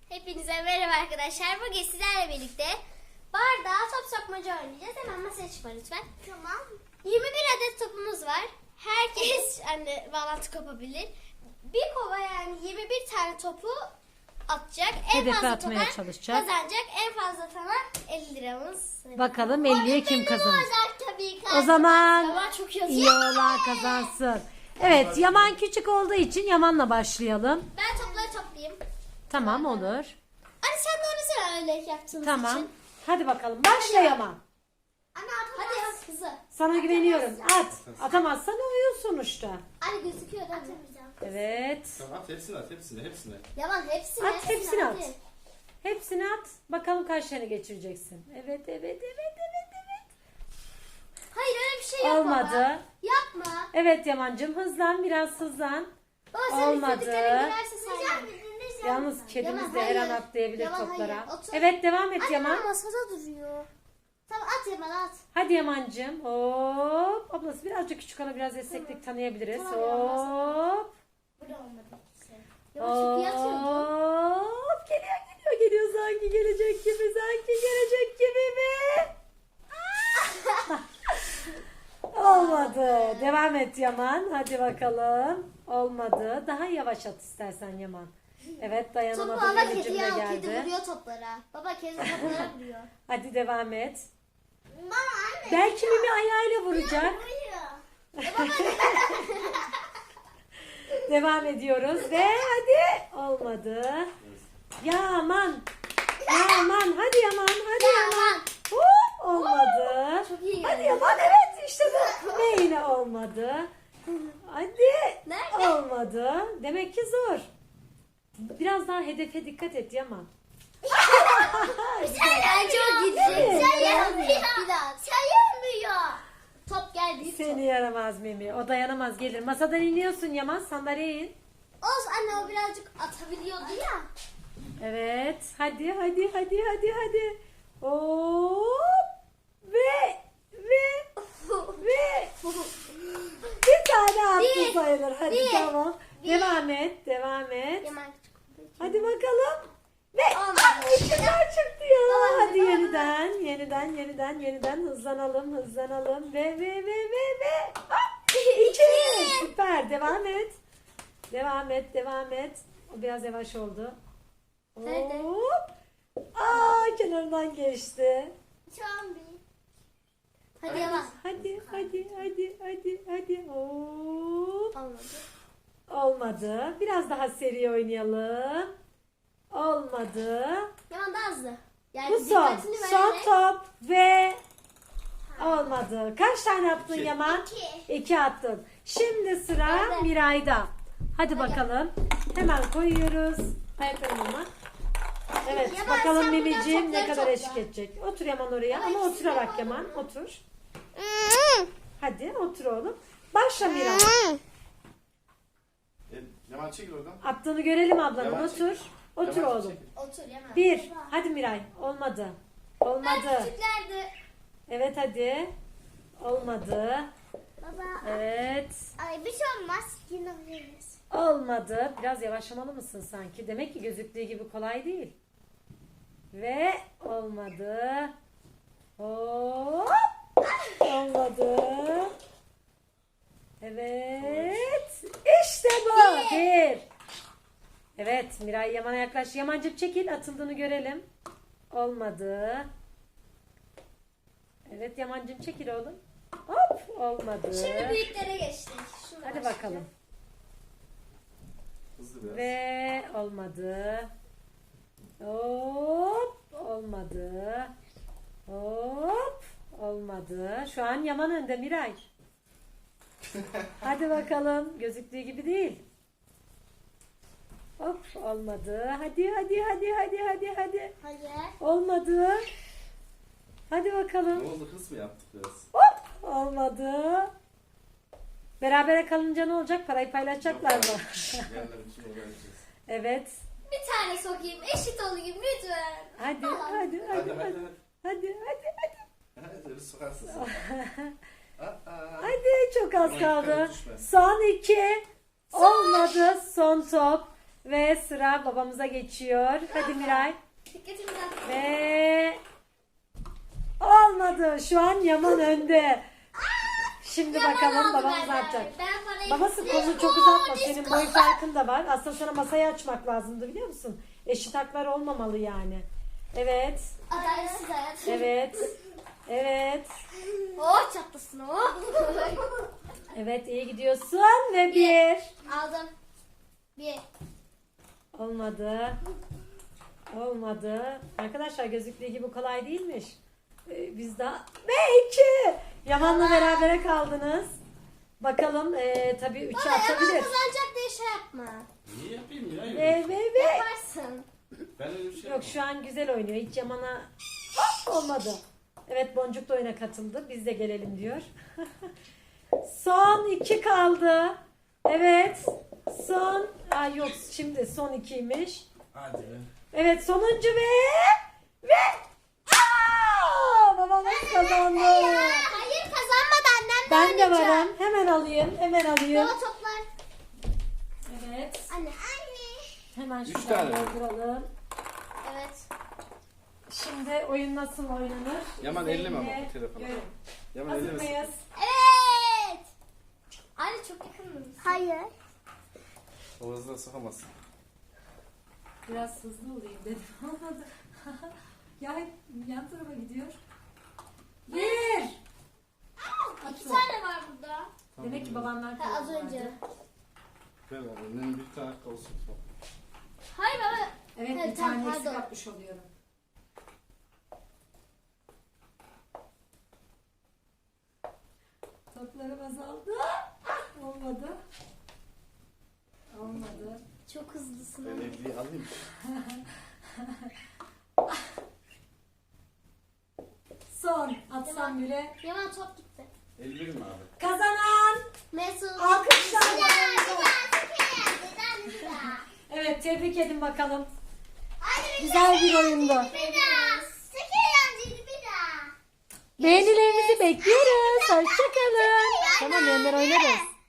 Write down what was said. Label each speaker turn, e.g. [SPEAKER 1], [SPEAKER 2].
[SPEAKER 1] Hepinize merhaba arkadaşlar. Bugün sizlerle birlikte bardağa top sokmaca oynayacağız. Hemen masaya çıkma lütfen. Tamam. 21 adet topumuz var. Herkes bağlantı kopabilir. Bir kova yani 21 tane topu atacak. En
[SPEAKER 2] Hedefe
[SPEAKER 1] fazla
[SPEAKER 2] atmaya
[SPEAKER 1] topa
[SPEAKER 2] çalışacak.
[SPEAKER 1] kazanacak. En fazla sana 50 liramız.
[SPEAKER 2] Bakalım 50'ye kim kazanır?
[SPEAKER 1] Olacak tabii ki.
[SPEAKER 2] O zaman
[SPEAKER 1] Yaman çok yazıyor.
[SPEAKER 2] iyi olan kazansın. Evet, Yaman küçük olduğu için Yaman'la başlayalım.
[SPEAKER 1] Ben topları toplayayım.
[SPEAKER 2] Tamam, olur.
[SPEAKER 1] Anne sen de onu öyle yaptığımız
[SPEAKER 2] Tamam.
[SPEAKER 1] için.
[SPEAKER 2] Hadi bakalım. Başla Yaman.
[SPEAKER 1] Hadi yap kızı.
[SPEAKER 2] Sana güveniyorum. At. Atamazsan oyun sonuçta.
[SPEAKER 1] Anne gözüküyor değil mi?
[SPEAKER 2] Evet.
[SPEAKER 3] Tamam at hepsini at hepsini.
[SPEAKER 1] Yaman hepsini.
[SPEAKER 2] At, hepsini at.
[SPEAKER 1] hadi.
[SPEAKER 2] Hepsini at. Bakalım kaç tane geçireceksin. Evet.
[SPEAKER 1] Hayır öyle bir şey yok
[SPEAKER 2] Olmadı.
[SPEAKER 1] baba. Yapma.
[SPEAKER 2] Evet Yaman'cığım, hızlan, biraz hızlan.
[SPEAKER 1] Baba sen
[SPEAKER 2] Olmadı.
[SPEAKER 1] istediklerin girerse sayma.
[SPEAKER 2] Yalnız kedimiz de her an atlayabilir
[SPEAKER 1] Yaman,
[SPEAKER 2] toplara.
[SPEAKER 1] hayır. Otur.
[SPEAKER 2] Evet, devam et
[SPEAKER 1] Anne
[SPEAKER 2] Yaman.
[SPEAKER 1] ama masada duruyor. Tamam at Yaman at.
[SPEAKER 2] Hadi Yaman'cığım. Hop. Ablası birazcık küçük, ona biraz esneklik tanıyabiliriz.
[SPEAKER 1] Tamam, Yaman,
[SPEAKER 2] Hop.
[SPEAKER 1] Bu da olmadı ikisi. Yaman çok iyi atıyordu.
[SPEAKER 2] Hop. Geliyor. Sanki gelecek gibi mi? Olmadı. Devam et Yaman. Hadi bakalım. Olmadı. Daha yavaş at istersen Yaman. Evet,
[SPEAKER 1] Topu
[SPEAKER 2] dayanamadı.
[SPEAKER 1] ama
[SPEAKER 2] Elimcim
[SPEAKER 1] kedi
[SPEAKER 2] de
[SPEAKER 1] ya. Kedi
[SPEAKER 2] geldi.
[SPEAKER 1] vuruyor toplara. Baba kedi toplara vuruyor.
[SPEAKER 2] Hadi devam et.
[SPEAKER 1] Mama anne.
[SPEAKER 2] Belki Mimi ayağıyla vuracak. Devam ediyoruz ve hadi. Olmadı. Yaman. Hadi Yaman.
[SPEAKER 1] Yaman.
[SPEAKER 2] Hop, olmadı.
[SPEAKER 1] Çok iyi
[SPEAKER 2] Hadi
[SPEAKER 1] geldi.
[SPEAKER 2] Yaman, evet işte bu. Ve yine olmadı. Hadi.
[SPEAKER 1] Nerede?
[SPEAKER 2] Olmadı. Demek ki zor. Biraz daha hedefe dikkat et Yaman.
[SPEAKER 1] Bence o gidecek.
[SPEAKER 2] Sayılmıyor.
[SPEAKER 1] Bir daha. Sayılmıyor. Top geldi.
[SPEAKER 2] Seni yaramaz Mimi. O dayanamaz, gelir. Masadan iniyorsun Yaman, sandalyeye in.
[SPEAKER 1] Olsun anne o birazcık atabiliyordu ya.
[SPEAKER 2] Evet. Hadi. Hop. Ve bir tane attı
[SPEAKER 1] Bir.
[SPEAKER 2] sayılır. Hadi
[SPEAKER 1] Bir.
[SPEAKER 2] tamam.
[SPEAKER 1] Bir.
[SPEAKER 2] Devam et.
[SPEAKER 1] Yaman küçük olduğu için.
[SPEAKER 2] Hadi bakalım. Ve
[SPEAKER 1] Olmadı.
[SPEAKER 2] içinden çıktı ya.
[SPEAKER 1] Olmadı.
[SPEAKER 2] Hadi yeniden hızlanalım. Ve. Hop. İki. Süper. Devam et. O biraz yavaş oldu.
[SPEAKER 1] Nerede?
[SPEAKER 2] Hop. Kenarından geçti.
[SPEAKER 1] Hadi Yaman.
[SPEAKER 2] Hadi. Hop.
[SPEAKER 1] Olmadı.
[SPEAKER 2] Olmadı. Biraz daha seri oynayalım. Olmadı.
[SPEAKER 1] Yaman daha hızlı. Yani
[SPEAKER 2] Bu son.
[SPEAKER 1] dikkatini
[SPEAKER 2] Son
[SPEAKER 1] vererek.
[SPEAKER 2] top ve olmadı. Kaç tane attın
[SPEAKER 3] İki.
[SPEAKER 2] Yaman?
[SPEAKER 1] İki.
[SPEAKER 2] 2 attın. Şimdi sıra
[SPEAKER 1] Nerede?
[SPEAKER 2] Miray'da. Hadi bakalım. Hemen koyuyoruz. Ayaklarını mı? Evet,
[SPEAKER 1] Yaman,
[SPEAKER 2] bakalım
[SPEAKER 1] sen buradan
[SPEAKER 2] Mimiciğim ne
[SPEAKER 1] topları
[SPEAKER 2] kadar
[SPEAKER 1] topla.
[SPEAKER 2] eşlik edecek. Otur Yaman oraya,
[SPEAKER 1] Ama
[SPEAKER 2] ama
[SPEAKER 1] ikisini
[SPEAKER 2] oturarak
[SPEAKER 1] yapalım.
[SPEAKER 2] Yaman, otur. Hadi otur oğlum. Başla Miray.
[SPEAKER 3] Yaman çekil oradan.
[SPEAKER 2] Attığını görelim ablanın.
[SPEAKER 3] Yaman
[SPEAKER 2] Otur.
[SPEAKER 3] çekil.
[SPEAKER 2] Otur
[SPEAKER 3] Yaman
[SPEAKER 2] oğlum.
[SPEAKER 3] çekil.
[SPEAKER 1] Otur Yaman.
[SPEAKER 2] 1.
[SPEAKER 1] Baba.
[SPEAKER 2] Hadi Miray. Olmadı.
[SPEAKER 1] Ben
[SPEAKER 2] Olmadı.
[SPEAKER 1] küçüklerdi.
[SPEAKER 2] Evet hadi. Olmadı.
[SPEAKER 1] Baba.
[SPEAKER 2] Evet.
[SPEAKER 1] Ay bir şey olmaz. Yine oynarız.
[SPEAKER 2] Olmadı. Biraz yavaşlamalı mısın sanki? Demek ki gözüktüğü gibi kolay değil. Ve olmadı. Hop. Olmadı. Evet. İşte bu. Bir. Evet. Miray Yaman'a yaklaş. Yamancık çekil. Atıldığını görelim. Olmadı. Evet Yamancığım çekil oğlum. Hop. Olmadı.
[SPEAKER 1] Şimdi büyüklere geçtik. Şuna
[SPEAKER 2] Hadi
[SPEAKER 1] başlayalım.
[SPEAKER 2] bakalım.
[SPEAKER 3] Hızlı biraz.
[SPEAKER 2] Ve olmadı. Hop, olmadı. Hop, olmadı. Şu an Yaman önde Miray. Hadi bakalım. Gözüktüğü gibi değil. Hop, olmadı. Hadi.
[SPEAKER 1] Hayır.
[SPEAKER 2] Olmadı. Hadi
[SPEAKER 3] Ne
[SPEAKER 2] bakalım.
[SPEAKER 3] oldu, hız mı yaptık biraz?
[SPEAKER 2] Hop, olmadı. Berabere kalınca ne olacak? Parayı paylaşacaklar mı?
[SPEAKER 3] Yerler için uğraşacağız.
[SPEAKER 2] Evet.
[SPEAKER 1] Bir tane sokayım. Eşit olayım lütfen.
[SPEAKER 2] Hadi.
[SPEAKER 3] Hadi.
[SPEAKER 2] Hadi.
[SPEAKER 3] Hadi hız sokarsın sen.
[SPEAKER 2] Hadi çok az
[SPEAKER 3] Ama
[SPEAKER 2] kaldı.
[SPEAKER 3] dikkat et, düşme.
[SPEAKER 2] Son 2. Olmadı. Son top. Ve sıra babamıza geçiyor. Hadi Miray.
[SPEAKER 1] Dikkatimi dağıt.
[SPEAKER 2] Ve olmadı. Şu an Yaman önde. Şimdi bakalım babamız ne yapacak.
[SPEAKER 1] Ben parayı...
[SPEAKER 2] Babası kolunu çok uzatma. Senin boy farkın da var. Aslında sana masayı açmak lazımdı biliyor musun? Eşit haklar olmamalı yani. Evet.
[SPEAKER 1] Adaletsiz hayat.
[SPEAKER 2] Evet. Evet.
[SPEAKER 1] Oh çatlasın oh.
[SPEAKER 2] Evet iyi gidiyorsun ve bir.
[SPEAKER 1] Aldım. Bir.
[SPEAKER 2] Olmadı. Olmadı. Arkadaşlar gözüktüğü gibi kolay değilmiş. Biz daha... Ve iki. Yaman'la berabere kaldınız. Bakalım tabii 3'e
[SPEAKER 1] Baba Yaman
[SPEAKER 2] atabilir.
[SPEAKER 1] kazanacak diye şey yapma.
[SPEAKER 3] Niye yapayım ya?
[SPEAKER 2] Ve.
[SPEAKER 1] Yaparsın.
[SPEAKER 3] Ben öyle bir şey
[SPEAKER 2] Yok şu an güzel oynuyor. Hiç Yaman'a hop olmadı. Evet Boncuk da oyuna katıldı. Biz de gelelim diyor. Son 2 kaldı. Evet. Son. Yok şimdi son 2'ymiş.
[SPEAKER 3] Hadi be.
[SPEAKER 2] Evet sonuncu ve babamız kazandı.
[SPEAKER 1] Hayır kazanmadı annem de
[SPEAKER 2] Ben de
[SPEAKER 1] oynayacak.
[SPEAKER 2] varım. Hemen alayım. Hemen alayım.
[SPEAKER 1] Baba toplar.
[SPEAKER 2] Evet.
[SPEAKER 1] Anne.
[SPEAKER 2] Hemen
[SPEAKER 3] Üç
[SPEAKER 2] şuradan
[SPEAKER 3] tane.
[SPEAKER 2] dolduralım.
[SPEAKER 1] Evet.
[SPEAKER 2] Şimdi oyun nasıl oynanır?
[SPEAKER 3] Yaman
[SPEAKER 2] İzleyin
[SPEAKER 3] elleme ama
[SPEAKER 2] ve
[SPEAKER 3] bu telefonu.
[SPEAKER 2] görün.
[SPEAKER 3] Yaman
[SPEAKER 2] Hazır
[SPEAKER 3] ellemesin.
[SPEAKER 2] mıyız?
[SPEAKER 1] Evet. Anne çok yakın mıyız? Hayır.
[SPEAKER 3] O hızla sıkamazsın.
[SPEAKER 2] Biraz hızlı olayım dedim. Olmadı. Ya hep yan tarafa gidiyor. Bir.
[SPEAKER 1] İki tane var burada.
[SPEAKER 2] Demek ki babamlar
[SPEAKER 1] Ha, az
[SPEAKER 2] kullandı.
[SPEAKER 1] önce.
[SPEAKER 3] Ver annenin bir tane hakkı olsun.
[SPEAKER 1] Hayır baba.
[SPEAKER 2] Evet
[SPEAKER 1] Evet,
[SPEAKER 2] bir tane
[SPEAKER 1] tamam,
[SPEAKER 2] eksik
[SPEAKER 1] pardon.
[SPEAKER 2] yapmış oluyorum. Toplarım azaldı. Olmadı. Olmadı.
[SPEAKER 1] Çok hızlısın.
[SPEAKER 3] Ben evliliği alayım.
[SPEAKER 2] Son. Atsam bile.
[SPEAKER 1] Yaman top gitti.
[SPEAKER 3] 51 mi abi?
[SPEAKER 2] Kazanan.
[SPEAKER 1] Mesut.
[SPEAKER 2] Alkışlar.
[SPEAKER 1] Bir daha.
[SPEAKER 2] Evet tebrik edin bakalım.
[SPEAKER 1] Hadi
[SPEAKER 2] Güzel bir oyundu.
[SPEAKER 1] Bir daha. Çok eğlenceli bir daha.
[SPEAKER 2] Beğenilerinizi bekliyoruz. Hoşçakalın. Tamam Ömer oynarız.